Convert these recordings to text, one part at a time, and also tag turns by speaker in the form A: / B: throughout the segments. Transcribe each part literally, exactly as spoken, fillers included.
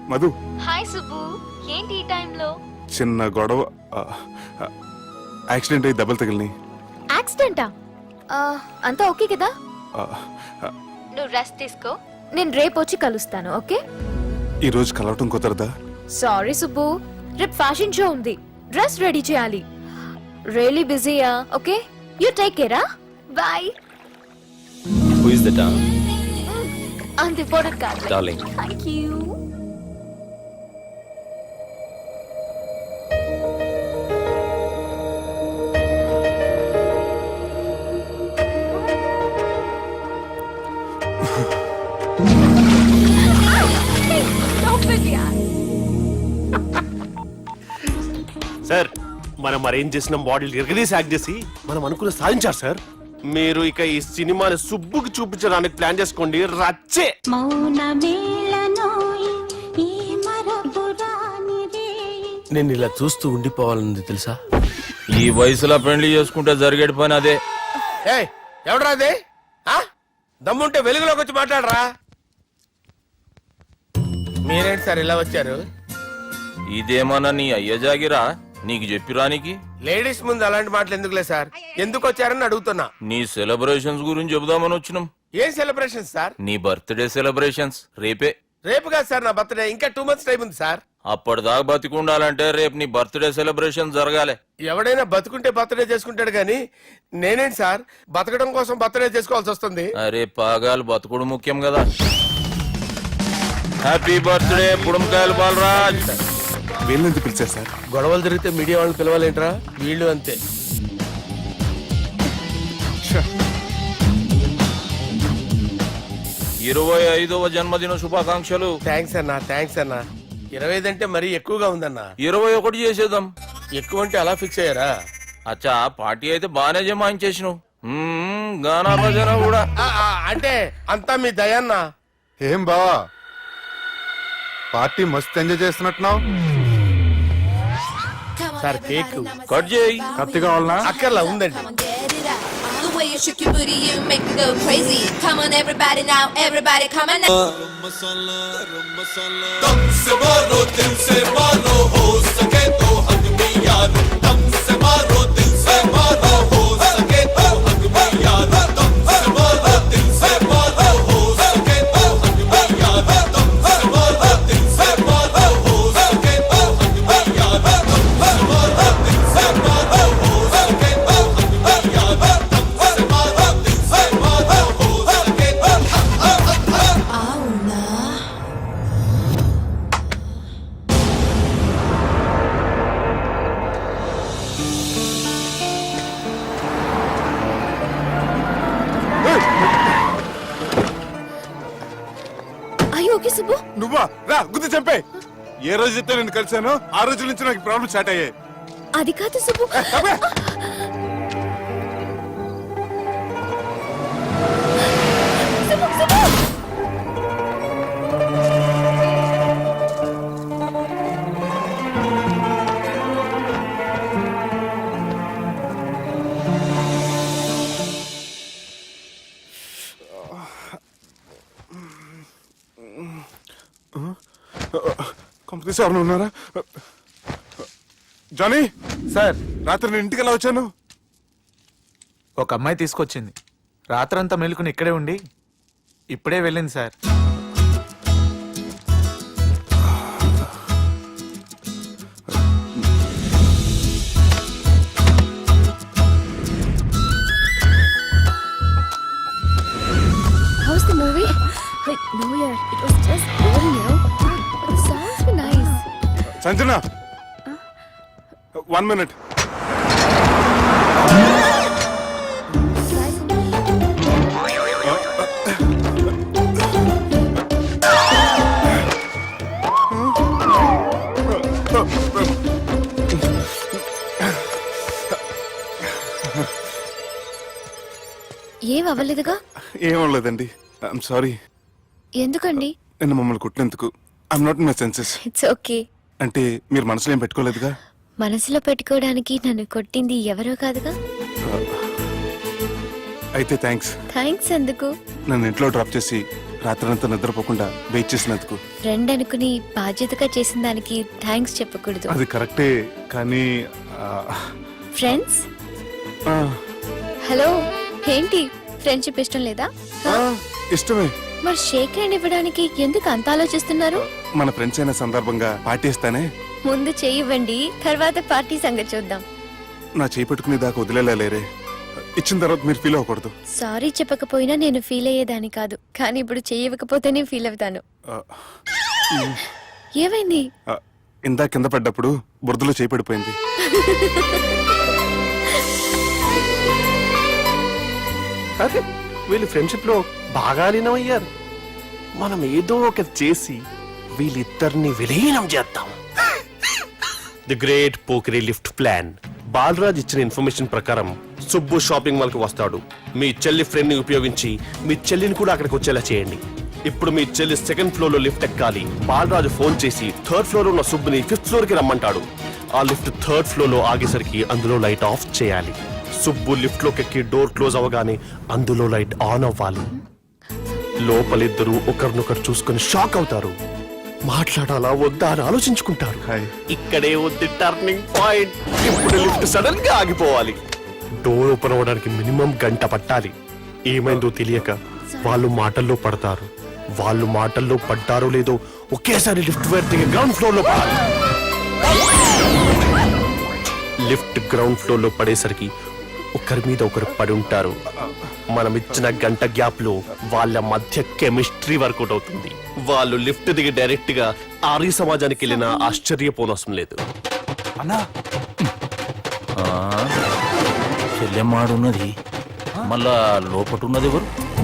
A: Madhu.
B: Hi Subbu, ఏంటి ఈ టైంలో?
A: చిన్న గొడవ, యాక్సిడెంట్ అయ్యి దెబ్బలు తగిలినాయి.
B: యాక్సిడెంటా? అంతా ఓకే కదా? నువ్వు రెస్ట్ తీసుకో, నేను రేపు వచ్చి కలుస్తాను. ఓకే?
A: ఈ రోజు కలవటం కుదరదా?
B: సారీ సుబ్బు, రేపు ఫ్యాషన్ షో ఉంది, డ్రెస్ రెడీ చేయాలి. రియలీ బిజీయా? Okay, you take care. Bye.
C: Who is the dog?
B: అంత ఇంపార్టెంట్ కాదు.
C: Darling.
B: Thank you.
D: సార్, మనం అరేంజ్ చేసిన మోడల్ ఎరగదీసి యాక్ట్ చేసి మనం అనుకున్న సాధించారు సార్. మీరు ఇక ఈ సినిమాని సుబ్బుకి చూపించడానికి ప్లాన్ చేసుకోండి. రచ్చే. నేను ఇలా చూస్తూ ఉండిపోవాలని తెలుసా?
C: ఈ వయసులో పెళ్లి చేసుకుంటే జరిగేటి పని అదే.
D: ఏయ్, ఎవడరా అదే? దమ్ముంటే వెలుగులోకి వచ్చి మాట్లాడరా. మీరేంటి సార్ ఇలా వచ్చారు?
C: ఇదేమన్నా నీ అయ్య జాగిరా నీకు చెప్పిరానికి?
D: లేడీస్ ముందు అలాంటి మాటలు ఎందుకులే సార్, ఎందుకు వచ్చారని అడుగుతున్నా.
C: నీ సెలబ్రేషన్స్ గురించి చెబుదామని వచ్చినాం.
D: ఏం సెలబ్రేషన్ సార్?
C: నీ బర్త్డే సెలబ్రేషన్స్ రేపే.
D: రేపు కాదు సార్ నా బర్త్డే, ఇంకా టూ మంత్స్ టైం ఉంది సార్.
C: అప్పటిదాకా బతికుండాలంటే రేపు నీ బర్త్డే సెలబ్రేషన్ జరగాలి.
D: ఎవడైనా బతుకుంటే బర్త్డే చేసుకుంటాడు గాని నేనేంటి సార్ బతకడం కోసం బర్త్డే చేసుకోవాల్సి వస్తుంది?
C: అరే పాగాలు బతుకుడు ముఖ్యం కదా. హ్యాపీ బర్త్డే పుడంకాయలు బాలరాజ్.
A: వీళ్ళెందుకు పిలిచారు సార్?
D: గొడవలు జరిగితే మీడియా వాళ్ళని పిలవాలేంట్రా? వీళ్ళు అంతే.
C: ఇరవై ఐదవ జన్మదిన శుభాకాంక్షలు.
D: థ్యాంక్స్ అన్నా, థ్యాంక్స్ అన్నా. ఇరవై ఐదు అంటే మరీ ఎక్కువగా ఉందన్నా.
C: ఇరవై ఒకటి చేసేద్దాం.
D: ఎక్కువ అంటే అలా ఫిక్స్ అయ్యారా?
C: అచ్చా, పార్టీ అయితే బానే జమాయించేసినావు. గానా భజన కూడా.
D: ఆ, ఆ, అంటే అంతా మీ దయన్నా.
E: ఏం బావా, పార్టీ మస్తు ఎంజాయ్ చేస్తున్నట్టున్నావు.
D: సార్ కేక్
C: కట్ చేయి.
E: కత్తి కావాలనా?
D: అక్కర్లా, ఉందండి.
F: The way you shook your booty, you make me go crazy. Come on, everybody now, everybody, come on now.
G: दम से मारो दिल से मारो, हो सके तो हक में यारो. दम से मारो दिल से मारो, हो सके तो हक में यारो. दम से मारो दिल से मारो, हो सके तो हक में यारो. दम से मारो दिल से मारो, हो सके तो हक में यारो. दम से मारो दिल से मारो, हो सके तो हक में यारो. दम से मारो दिल से मारो, हो सके तो
F: Au na.
B: అయ్యో ఓకే సుబ్బు.
A: నువ్వా? రా గుద్ది చంపే. ఏ రోజు అయితే నేను కలిసానో ఆ రోజు నుంచి నాకు ప్రాబ్లం స్టార్ట్ అయ్యాయి.
B: అది కాదు సుబ్బు. సుబ్బు, సుబ్బు.
A: కంపెనీస్ ఎవరైనా ఉన్నారా? జానీ
E: సార్,
A: రాత్రి నేను ఇంటికి ఎలా వచ్చాను?
E: ఒక అమ్మాయి తీసుకొచ్చింది. రాత్రంతా మెలుకుని ఇక్కడే ఉండి ఇప్పుడే వెళ్ళింది sir.
B: How's the movie? Like, no, yeah, it was just boring, you know. The songs were nice.
A: Sanjana, one minute.
B: ఏం అవ్వలేదుగా?
A: ఏం అవ్వలేదండి. I'm sorry.
B: ఎందుకండి?
A: నిన్న మమ్మల్ని కొట్టినందుకు I'm not in my senses.
B: It's okay.
A: అంటే మీరు మనసులో ఏం పెట్టుకోలేదుగా?
B: మనసులో పెట్టుకోవడానికి నన్ను కొట్టింది ఎవరో కాదుగా.
A: అయితే థ్యాంక్స్.
B: థ్యాంక్స్ ఎందుకు?
A: నన్ను ఇంట్లో డ్రాప్ చేసి రాత్రంతా నిద్రపోకుండా వెయిట్ చేసినందుకు.
B: ఫ్రెండ్ అనుకుని బాధ్యతగా చేసిన దానికి థ్యాంక్స్ చెప్పకూడదు.
A: అది కరెక్టే కానీ ఆ,
B: ఫ్రెండ్స్
A: ఆ,
B: హలో, ఏంటి ఫ్రెండ్షిప్ ఇష్టం లేదా?
A: ఆ, ఇష్టమే.
B: మరి షేక్ హ్యాండ్ ఇవ్వడానికి ఎందుకు అంత ఆలోచిస్తున్నారు?
A: మన ఫ్రెండ్స్ అయిన సందర్భంగా పార్టీ ఇస్తానే.
B: ముందు చేయివ్వండి, తర్వాత పార్టీ సంగతి చూద్దాం.
A: నా చేయి పెట్టుకునే దాకా వదిలేలా లేరే. ఇచ్చిన తర్వాత మీరు ఫీల్ అవ్వకూడదు.
B: సారీ చెప్పకపోయినా నేను ఫీల్ అయ్యేదాన్ని కాదు, కానీ ఇప్పుడు చేయకపోతేనే ఫీల్ అవుతాను.
A: ఆ,
B: ఏమైంది?
A: ఆ, ఇందా కింద పడ్డప్పుడు బురదలో చేయి పడిపోయింది.
D: అరే వీళ్ళు ఫ్రెండ్షిప్ లో బాగా లీనమయ్యారు. మనం ఏదో ఒకటి చేసి వీళ్ళిద్దరిని విలీనం చేద్దాం. ది గ్రేట్ పోకరీ లిఫ్ట్ ప్లాన్. బాలరాజ్ ఇచ్చిన ఇన్ఫర్మేషన్ ప్రకారం సుబ్బు షాపింగ్ మాల్ కి వస్తాడు. మీ చెల్లి ఫ్రెండ్ ని ఉపయోగించి మీ చెల్లిని కూడా అక్కడికి వచ్చేలా చేయండి. ఇప్పుడు మీ చెల్లి సెకండ్ ఫ్లోర్ లో లిఫ్ట్ ఎక్కాలి. బాలరాజు ఫోన్ చేసి థర్డ్ ఫ్లోర్ లో ఉన్న సుబ్బుని ఫిఫ్త్ ఫ్లోర్ కి రమ్మంటాడు. ఆ లిఫ్ట్ థర్డ్ ఫ్లోర్ లో ఆగేసరికి అందులో లైట్ ఆఫ్ చేయాలి. సుబ్బు లిఫ్ట్ లోకి ఎక్కి డోర్ క్లోజ్ అవ్వగానే అందులో లైట్ ఆన్ అవ్వాలి. లోపలిద్దరూ ఒకరినొకరు చూసుకొని షాక్ అవుతారు. మాట్లాడాలా వద్దా అని ఆలోచించుకుంటారు.
A: హాయ్.
D: ఇక్కడే ఉంది టర్నింగ్ పాయింట్. ఇప్పుడు లిఫ్ట్ సడన్ గా ఆగిపోవాలి. డోర్ ఓపెన్ అవ్వడానికి మినిమం గంట పట్టాలి. ఏమైందో తెలియక వాళ్ళు మాటల్లో పడతారు. వాళ్ళు మాటల్లో పడ్డారో లేదో ఒకేసారి లిఫ్ట్ వైర్ దిగి గ్రౌండ్ ఫ్లోర్ లో పడాలి. లిఫ్ట్ గ్రౌండ్ ఫ్లోర్ లో పడేసరికి ఒకరి మీద ఒకరు పడి ఉంటారు. మనం ఇచ్చిన గంట గ్యాప్ లో వాళ్ళ మధ్య కెమిస్ట్రీ వర్కౌట్ అవుతుంది. వాళ్ళు లిఫ్ట్ దిగి డైరెక్ట్ గా ఆర్య సమాజానికి వెళ్ళిన ఆశ్చర్యపోనవసరం లేదు.
E: అన్నా
C: చెల్లెమ్మాడున్నది, మళ్ళా లోపటున్నది ఎవరు?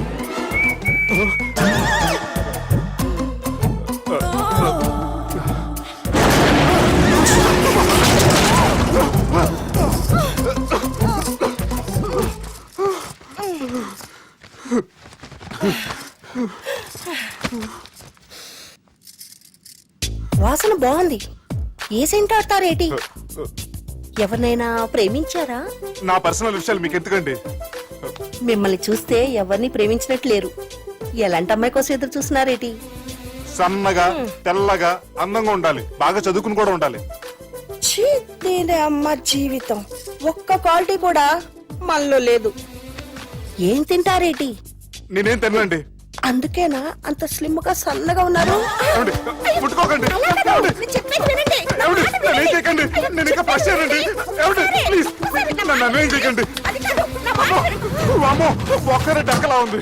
H: వాసన బాగుంది. ఏ సెంట్ ఆడతారేటి? ఎవరినైనా ప్రేమించారా?
A: నా పర్సనల్ విషయాలు మీకు ఎందుకండి?
H: మిమ్మల్ని చూస్తే ఎవరిని ప్రేమించినట్లేరు. ఎలాంటి అమ్మాయి కోసం ఎదురు చూస్తున్నారేటి?
A: సన్నగా తెల్లగా అందంగా ఉండాలి, బాగా చదువుకుని కూడా ఉండాలి.
H: ఛీ, దీని అమ్మ జీవితం ఒక్క క్వాలిటీ కూడా మనలో లేదు. ఏం తింటారేటి?
A: నేనేం తినండి.
H: అందుకేనా అంత స్లిమ్ గా సన్నగా ఉన్నారు?
A: ఏమండి? ముట్టుకోకండి. ఏమండి? ఏమండి? నన్ను ఏం చేయకండి. నేను ఇంకా ఫస్ట్ ఇయర్ అండి. ఏమండి? ప్లీజ్ నన్ను నన్ను ఏం చేయకండి. వామ్మో, ఒక్కరే డక్కలా ఉంది.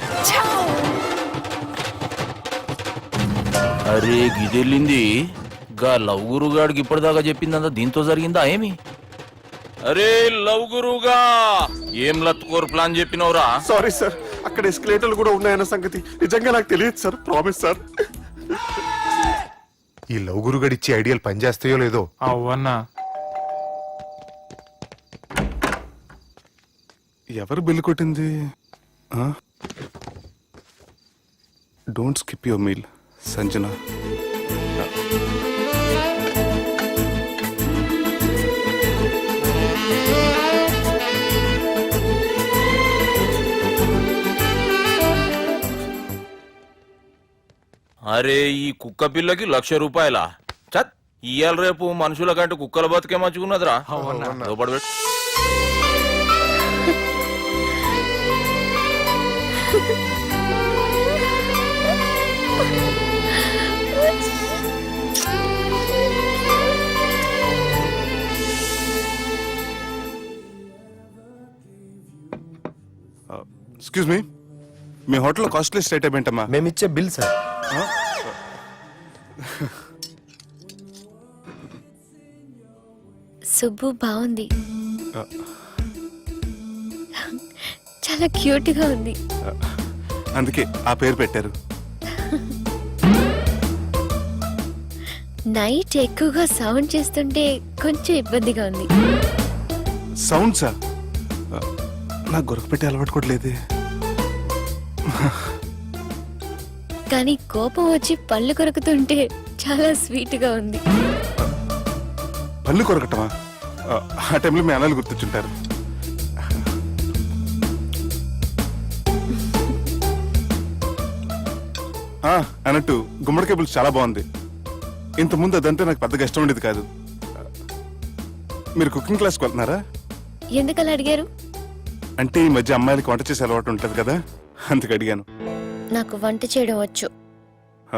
C: అరే గిదెళ్ళింది. గా లవ్ గురుగాడికి ఇప్పటిదాకా చెప్పిందంతా దీంతో జరిగిందా ఏమి? అరే లవ్ గురుగా, ఏం లత్కోర్ ప్లాన్ చెప్పినవురా?
D: సారీ సార్, అక్కడ ఎస్కలేటర్లు కూడా ఉన్నాయన్న సంగతి నిజంగా నాకు తెలియదు సార్. Promise sir.
I: ఈ లవ్ గురుగడి ఇచ్చే ఐడియాలు పనిచేస్తాయో లేదో.
E: అవ్వన్నా
A: ఎవరు బిల్లు కొట్టింది? Don't skip your meal Sanjana.
C: అరే ఈ కుక్క పిల్లకి లక్ష రూపాయల చత్ ఇయ్యాల రేపు మనుషుల కంటే కుక్కల బతికే మంచుకున్నదిరా. లోపల పెట్టు.
A: ఎక్స్క్యూజ్ మీ, మీ హోటల్లో కాస్ట్లీ స్టేట్ ఏంటమ్మా?
I: మేమిచ్చే బిల్ సార్.
B: సుబ్బు బాగుంది, చాలా క్యూట్ గా ఉంది.
A: అందుకే ఆ పేరు పెట్టారు.
B: నైట్ ఎక్కువగా సౌండ్ చేస్తుంటే కొంచెం ఇబ్బందిగా ఉంది.
A: సౌండ్సా? నాకు గొరక పెట్టే అలవాటు కూడా లేదే.
B: కానీ కోపం వచ్చి పళ్ళు కొరుకుతుంటే చాలా స్వీట్ గా ఉంది.
A: పళ్ళు కొరకటమా? ఆ టైంలో మీ అన్నలు గుర్తొచ్చుంటారు. ఆ, అన్నట్టు గుమ్మడికాయ పులుసు చాలా బాగుంది. ఇంతకుముందు అదంటే నాకు పెద్దగా ఇష్టం ఉండేది కాదు. మీరు కుకింగ్ క్లాస్కి వెళ్తున్నారా?
B: ఎందుకలా అడిగారు?
A: అంటే ఈ మధ్య అమ్మాయిలకి వంట చేసే అలవాటు ఉంటుంది కదా, అందుకు అడిగాను.
B: నాకు వంట చేయడం వచ్చు.
A: ఆ,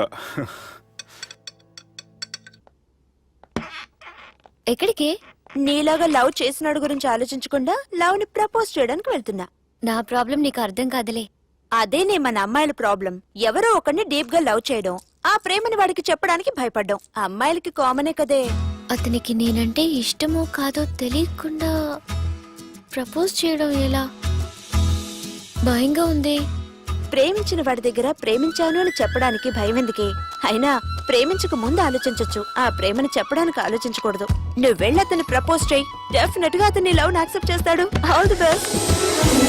B: ఎక్కడికి?
J: నీలాగా లవ్ చేసినాడు గురించి ఆలోచించకుండా లవ్ ని ప్రపోజ్ చేయడానికి వెళ్తున్నా.
B: నా ప్రాబ్లం నీకు అర్థం కాదులే.
J: అదేనే మన అమ్మాయిల ప్రాబ్లం. ఎవరో ఒకరిని డీప్ గా లవ్ చేయడం, ఆ ప్రేమని వాడికి చెప్పడానికి భయపడ్డం అమ్మాయిలకి కామనే కదే.
B: అతనికి నేనంటే ఇష్టమో కాదో తెలియకుండా ప్రపోజ్ చేయడం ఎలా? భయంగా ఉంది.
J: ప్రేమించిన వాడి దగ్గర ప్రేమించాను అని చెప్పడానికి భయం ఎందుకే? అయినా ప్రేమించక ముందు ఆలోచించొచ్చు, ఆ ప్రేమని చెప్పడానికి ఆలోచించకూడదు. నువ్వు వెళ్ళి అతన్ని ప్రపోజ్ చేయి, డెఫినెట్ గా అతన్ని లవ్ యాక్సెప్ట్ చేస్తాడు. All the best.